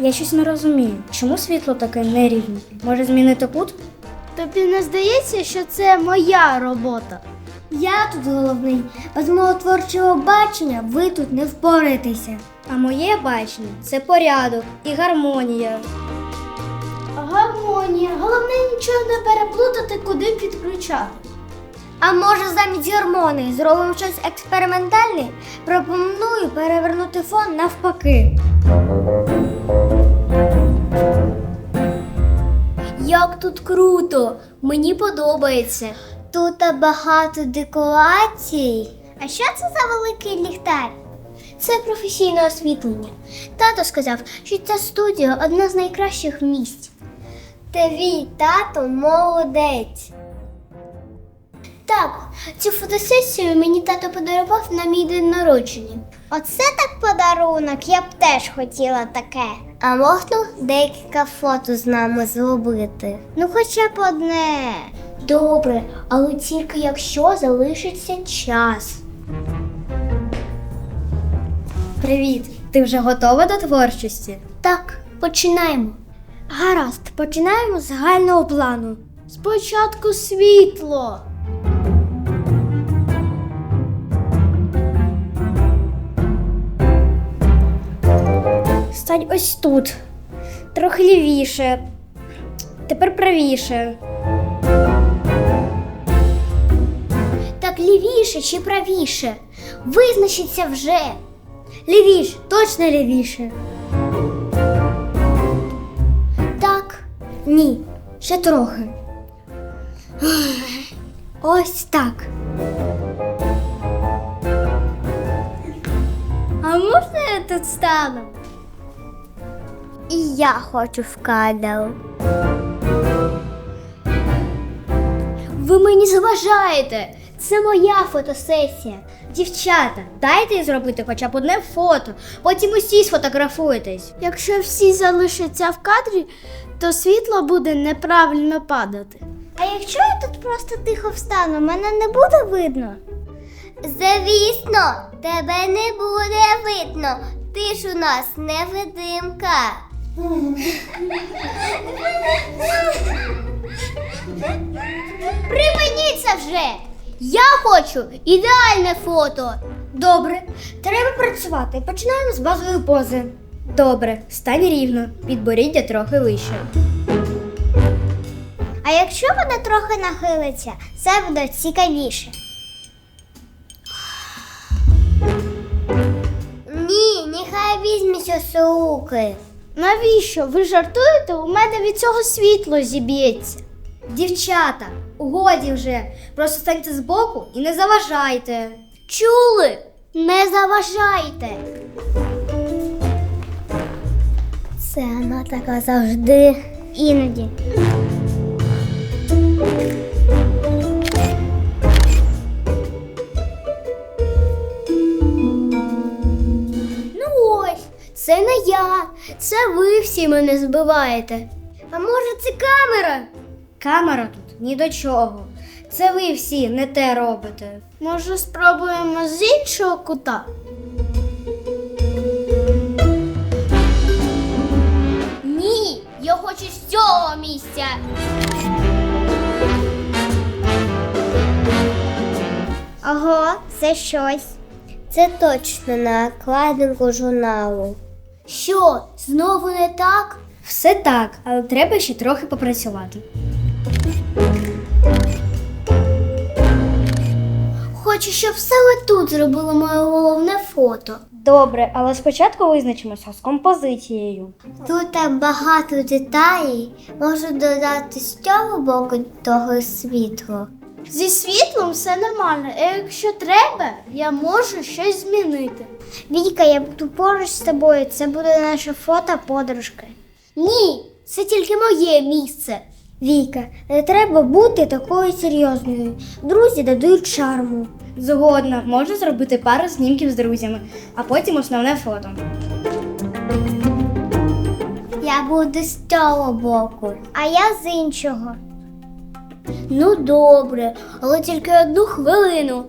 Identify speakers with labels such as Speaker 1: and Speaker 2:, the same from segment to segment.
Speaker 1: Я щось не розумію, чому світло таке нерівне? Може змінити кут?
Speaker 2: Тобі не здається, що це моя робота?
Speaker 3: Я тут головний. Без мого творчого бачення ви тут не впораєтеся.
Speaker 1: А моє бачення – це порядок і гармонія.
Speaker 2: Гармонія. Головне нічого не переплутати, куди підключати.
Speaker 3: А може замість гармонії зробимо щось експериментальне? Пропоную перевернути фон навпаки.
Speaker 1: Як тут круто! Мені подобається.
Speaker 3: Тут багато декорацій. А що це за великий ліхтар?
Speaker 1: Це професійне освітлення. Тато сказав, що ця студія – одна з найкращих в місті.
Speaker 3: Твій тато молодець.
Speaker 1: Так, цю фотосесію мені тато подарував на мій день народження.
Speaker 3: Оце так подарунок, я б теж хотіла таке. А можна декілька фото з нами зробити? Ну хоча б одне.
Speaker 1: Добре, але тільки якщо залишиться час. Привіт! Ти вже готова до творчості? Так, починаємо.
Speaker 3: Гаразд, починаємо з загального плану.
Speaker 2: Спочатку світло.
Speaker 1: Стань ось тут. Трохи лівіше. Тепер правіше. Так лівіше чи правіше? Визначіться вже.
Speaker 3: Лівіше, точно лівіше.
Speaker 1: Так.
Speaker 3: Ні, ще трохи. Ось так.
Speaker 1: А можна я тут стану?
Speaker 3: І я хочу в кадр.
Speaker 1: Ви мені заважаєте. Це моя фотосесія. Дівчата, дайте їй зробити хоча б одне фото, потім усі сфотографуєтесь.
Speaker 2: Якщо всі залишаться в кадрі, то світло буде неправильно падати.
Speaker 3: А якщо я тут просто тихо встану, мене не буде видно? Звісно, тебе не буде видно. Ти ж у нас невидимка.
Speaker 1: Припиніться вже! Я хочу ідеальне фото.
Speaker 3: Добре, треба працювати. Починаємо з базової пози.
Speaker 1: Добре, стань рівно, підборіддя трохи вище.
Speaker 3: А якщо вона трохи нахилиться, це буде цікавіше. Ні, нехай візьметься з руки.
Speaker 2: Навіщо? Ви жартуєте? У мене від цього світло зіб'ється.
Speaker 1: Дівчата, годі вже, просто станьте збоку і не заважайте. Чули? Не заважайте.
Speaker 3: Це вона така завжди. Іноді.
Speaker 1: Ну ось, це не я, це ви всі мене збиваєте.
Speaker 3: А може це камера?
Speaker 1: Камера тут ні до чого. Це ви всі не те робите.
Speaker 2: Може, спробуємо з іншого кута?
Speaker 1: Ні, я хочу з цього місця.
Speaker 3: Ого, це щось. Це точно на обкладинку журналу.
Speaker 1: Що, знову не так? Все так, але треба ще трохи попрацювати. Хочу, щоб саме тут зробили моє головне фото. Добре, але спочатку визначимося з композицією.
Speaker 3: Тут багато деталей. Можу додати з цього боку того світло.
Speaker 2: Зі світлом все нормально, а якщо треба, я можу щось змінити.
Speaker 3: Віка, я буду поруч з тобою. Це буде наше фото подружки.
Speaker 1: Ні, це тільки моє місце.
Speaker 3: Віка, не треба бути такою серйозною. Друзі додають шарму.
Speaker 1: Згодна, можу зробити пару знімків з друзями, а потім основне фото.
Speaker 3: Я буду з цього боку, а я з іншого.
Speaker 1: Ну добре, але тільки 1 хвилину.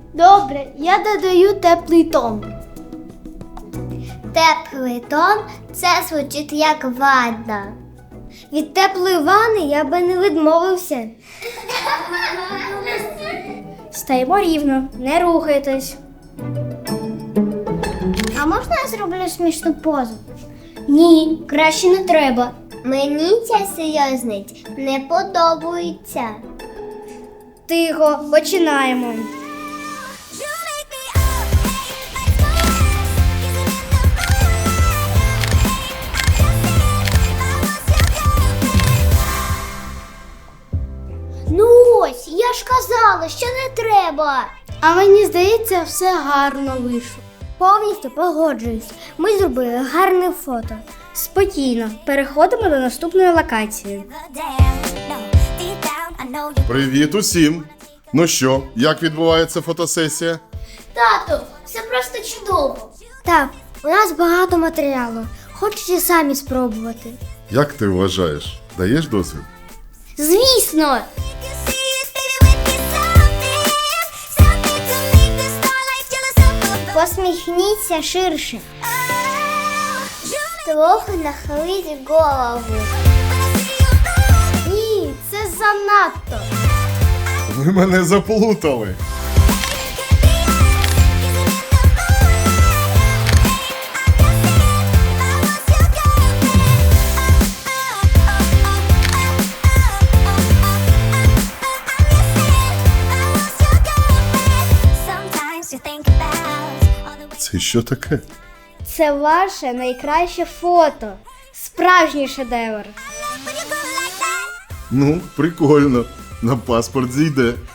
Speaker 2: Добре, я додаю теплий тон.
Speaker 3: Теплий тон Це звучить як ванна.
Speaker 1: Від теплої ванни я би не відмовився. Стаємо рівно, не рухайтесь.
Speaker 2: А можна я зроблю смішну позу?
Speaker 1: Ні, краще не треба.
Speaker 3: Мені ця серйозність не подобається.
Speaker 1: Тихо, починаємо.
Speaker 3: Ну ось, я ж казала, що не треба.
Speaker 2: А мені здається, все гарно вийшло.
Speaker 1: Повністю погоджуюсь. Ми зробили гарне фото. Спокійно, переходимо до наступної локації.
Speaker 4: Привіт усім! Ну що, як відбувається фотосесія?
Speaker 3: Тату, це просто чудово.
Speaker 1: Так, у нас багато матеріалу. Хочете самі спробувати?
Speaker 4: Як ти вважаєш? Даєш дозвіл?
Speaker 1: Звісно!
Speaker 3: Посміхніться ширше. Трохи нахиліть голову.
Speaker 2: Ні, це занадто.
Speaker 4: Ви мене заплутали. Це що таке?
Speaker 1: Це ваше найкраще фото. Справжній шедевр.
Speaker 4: Ну, прикольно. На паспорт зійде.